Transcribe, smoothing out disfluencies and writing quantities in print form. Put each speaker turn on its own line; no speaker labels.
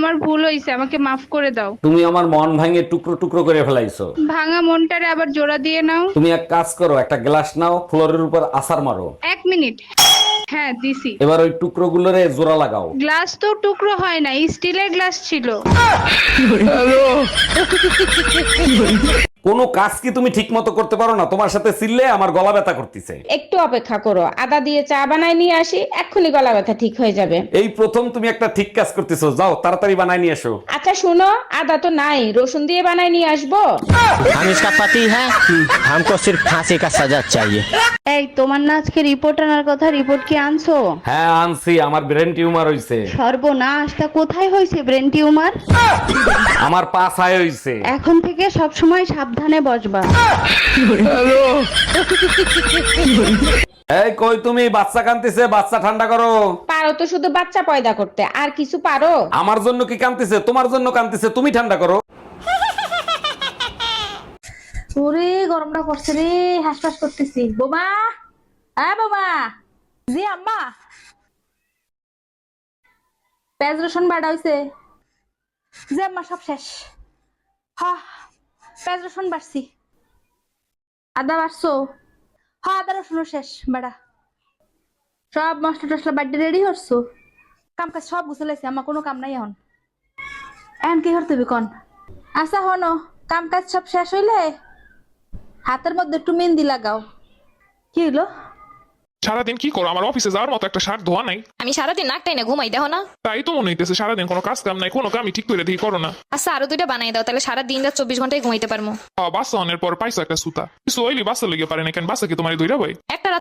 আমার ভুল হয়েছে, আমাকে মাফ করে দাও।
তুমি আমার মন ভাঙে টুকরো টুকরো করে ফেলাইছো।
ভাঙা মনটারে আবার জোড়া দিয়ে নাও।
তুমি এক কাজ করো, একটা গ্লাস নাও, ফ্লোরের উপর আছাড় মারো।
1 মিনিট। হ্যাঁ দিছি।
এবার ওই টুকরো গুলোরে জোড়া লাগাও।
গ্লাস তো টুকরো হয় না, স্টিলের গ্লাস ছিল।
কোনো কাজ কি তুমি ঠিক মতো করতে পারো না? তোমার সাথে চিল্লে আমার গলা ব্যথা করতেছে।
একটু অপেক্ষা করো, আদা দিয়ে চা বানায় নিয়ে আসি, এক্ষুনি গলা ব্যথা ঠিক হয়ে যাবে।
এই প্রথম তুমি একটা ঠিক কাজ করতেছো, যাও তাড়াতাড়ি বানাই নিয়ে এসো।
আচ্ছা শুনো, আদা তো নাই, রসুন দিয়ে বানায় নিয়ে আসবো।
हम इसका पति है, हमको सिर्फ फांसी का सजा चाहिए।
এই তোমার না আজকে রিপোর্ট আনার কথা, রিপোর্ট কি আনছো?
হ্যাঁ আনছি, আমার ব্রেন টিউমার হইছে।
সর্বনাশ, তা কোথায় হয়েছে ব্রেন টিউমার?
আমার পা ছায় হইছে।
এখন থেকে সব সময় সাবধানে বসবা।
এই কই তুমি? বাচ্চা কান্দিছে, বাচ্চা ঠান্ডা করো।
পারো তো শুধু বাচ্চা পয়দা করতে, আর কিছু পারো?
আমার জন্য কি কান্দিছে? তোমার জন্য কান্দিছে, তুমি ঠান্ডা করো।
ওরে গরমটা পড়ছে রে, হাসপাস করতেছি। বোমা, হ্যাঁ বোমা। জি আম্মা। পেঁয়াজ রসুন বাটা হইছে। জি আম্মা, সব শেষ। হ্যাঁ, পেঁয়াজ রসুন বাড়ছি। আদা বাড়ছো? হ্যাঁ, আদা রসুনও শেষ বাড়া। সব মশলা টসলা বাড়ি রেডি করছো? কাম কাজ সব গুছালাইছি আম্মা, কোনো কাম নাই এখন। এখন কি করতে হবে কন? আচ্ছা হনো, কাম কাজ সব শেষ হইলে হাতের মধ্যে একটু মেহেন্দি লাগাও। কি হইলো?
সারাদিন কি করো? আমার অফিসে যাওয়ার মতো একটা শার্ট ধোয়া নাই।
আমি সারাদিন নাকটাই না ঘুমাই, দেখো না?
তাই তো মনে হইতেছে সারাদিন কোনো কাজ কাম নাই, কোনো কামই ঠিক করে দিয়ে করো না।
আচ্ছা আরো 2টা বানাই দাও, তাহলে সারাদিন রাত 24 ঘন্টায় ঘুমাইতে পারবো।
বাসা অনের পর পাইছো একটা সুতা, কিছু হইলি বাসা লেগে পারে না কেন? বাসা কি তোমার ধৈরা বই?
একটা